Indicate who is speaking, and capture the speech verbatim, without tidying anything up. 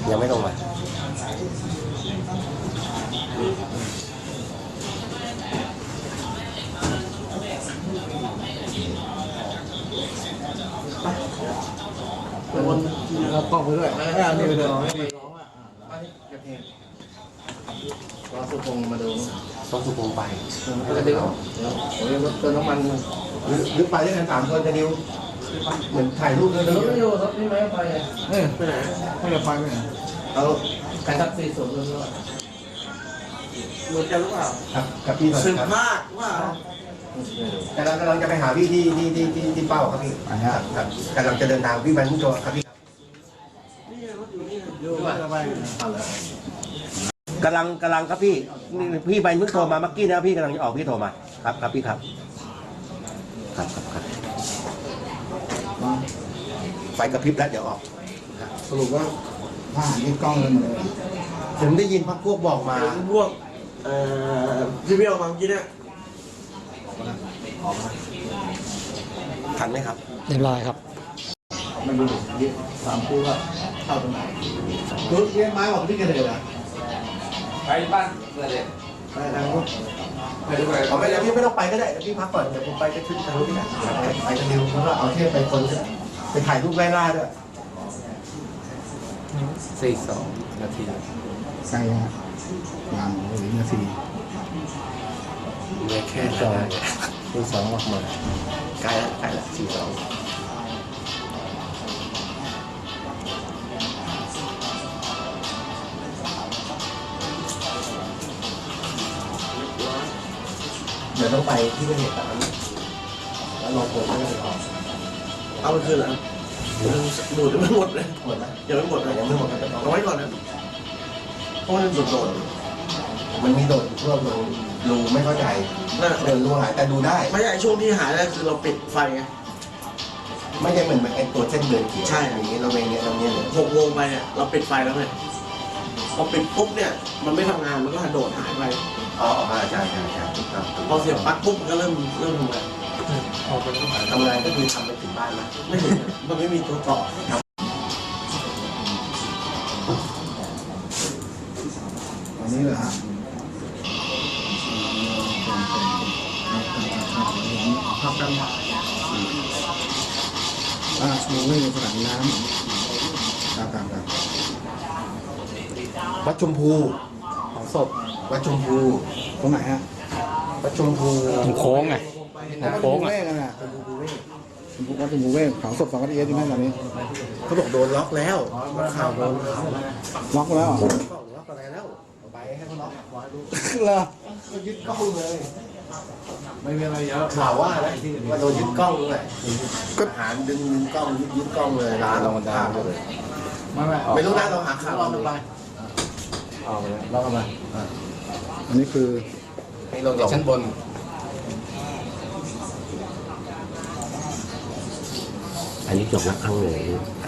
Speaker 1: ยังไม่ลงมา
Speaker 2: วนเรากล้องไปด้วยอ่านี่ไปเลยไม่ดีร้องอ่ะอันนี้กระเทียมรอสุพงมาดู
Speaker 1: ต้องสุพงไป
Speaker 2: ก็จะดิวโอ้ยรถเติมน้ำมันหรือไปด้วยกันสามคนจะดิวเหมือนถ่ายรูปเลยรถไม่อยู่รถนี่ไม่ไปเออไปไหนไม่จะไปไปไหนเอาใครทักซีสวนเลยด้วยรถจะรู้เปล่าครับกับพี่สึกมากว่าแต่เรากำลังจะไปหาพี่ที่ที่ที่ที่ที่เป้าครับพี่ครับกำลังจะเดินทางพี่มันมุ่งตัวครับพี่นี่รถอยู่นี่อยู่ไป
Speaker 1: กำลังกำลังครับพี่พี่ใบเพิ่งโทรมาเมื่อกี้นะพี่กำลังจะออกพี่โทรมาครับครับพี่ครับครับครับครับไฟกระพริบแล้วเดี๋ยวออก
Speaker 2: สรุปว่าผ่านที่กล้องเลยหมดเลย
Speaker 1: ผมได้ยินพักพวกบอกมา
Speaker 3: พวกเอ่อที่พี่ออกมาเมื่อกี้เนี่ยออกมา
Speaker 1: ทันไหมครับ
Speaker 4: เรียบร้อยครับ
Speaker 2: มันดูสามคู่ว่าเข้าตรงไหนรถเลี้ยงไม้บอกที่กระเด็นอ่ะ
Speaker 3: ไปบ้านเกิดเลย
Speaker 2: ไปทางนู้น
Speaker 3: ไปด้วย
Speaker 1: เอาไปแล้วพี่ไม่ต้องไปก็ได้พี่พักก่อนเดี๋ยวผมไปจะขึ้นทางนู้นนะ
Speaker 2: ไปกันเร็วแล้วก็เอาเที่ยวไปคนไปถ่ายรูปไล่ล่าด้วย
Speaker 3: สี่สองนาที
Speaker 2: ใกล้ฮะงานหรือนาที
Speaker 1: เหลือแค่สองสี่สองออกมาใกล้แล้วใกล้แล้วสี่สองเดี๋ยวต้องไปที่เกิดเหตุการณ์แล้วลองโผล่ไม่ได้หรอ
Speaker 3: เอาไปคืนเหรอดูดยังไม่หมดเลย
Speaker 1: หมดแล้ว
Speaker 3: ยังไม่หมดเลย
Speaker 1: ยังไม่หมดครับ
Speaker 3: เอาไว้ก่อนนะเพราะมันโดดโดด
Speaker 1: มันมีโดดช่วงลงรูไม่เข้าใจ
Speaker 3: นั่น
Speaker 1: เดินรูหายแต่ดูได้
Speaker 3: ไม่ใช่ช่วงที่หายแล้วคือเราปิดไฟไง
Speaker 1: ไม่ใช่เหมือนไอ้ตัวเส้นเดินเขียว
Speaker 3: ใช่
Speaker 1: อย่างนี้เราเองเนี่ยเราเนี่ยเลย
Speaker 3: หกโมงไปเนี่ยเราปิดไฟแล้วไงพอปิดปุ๊บเนี่ยมันไม่ทำงานมันก็โดดหายไป
Speaker 1: อ๋อใช่ใช่ใช่ใช่ถูกต้อง
Speaker 3: พอเสียบปลั๊กปุ๊บมันก็เริ่มเริ่มทำงาน
Speaker 1: ทำงานก็คือทำไปถึงบ้านนะ
Speaker 3: ไม่ถึงมันไม่มีตัวต่อ
Speaker 2: วันนี้เหรอฮะภาพกันอ่าชูไม่ในสนามน้ำตามตามกัน
Speaker 1: วัดชมพู
Speaker 2: ของศพ
Speaker 1: วัดชมพู
Speaker 2: ตรงไหนฮะ
Speaker 1: วัดชมพู
Speaker 4: ตรงโค้งไงตรงโค้ง
Speaker 2: เว
Speaker 4: อ่ะ
Speaker 2: กกันนะวัดชมพูเวกของศพสองกันเอสใช่ไหมตอนนี้
Speaker 1: เขาบอกโดนล็อกแล้วข่าวโดน
Speaker 2: ล็อกแล้วเหรอ
Speaker 1: ล็อกอะไรแล้วไปให้เขาล็อกร้อยลูก
Speaker 2: เหรอ
Speaker 1: ยึดกล้องเลย
Speaker 2: ไม่มีอะไรเยอะ
Speaker 1: ข่าวว่านะว่าโดนยึดกล้องเลยก็หารดึงกล้องยึดยึดกล้องเลยร้านเรามันได้เลย
Speaker 2: ไม่ไม่
Speaker 1: ไม่รู้นะเราหาข่าว
Speaker 2: ล็อกกันไปเอาไปล็อกกันไปอันนี้คือ
Speaker 1: ให้ลงจากชั้นบนอันนี้จบแล้วครั้งเลย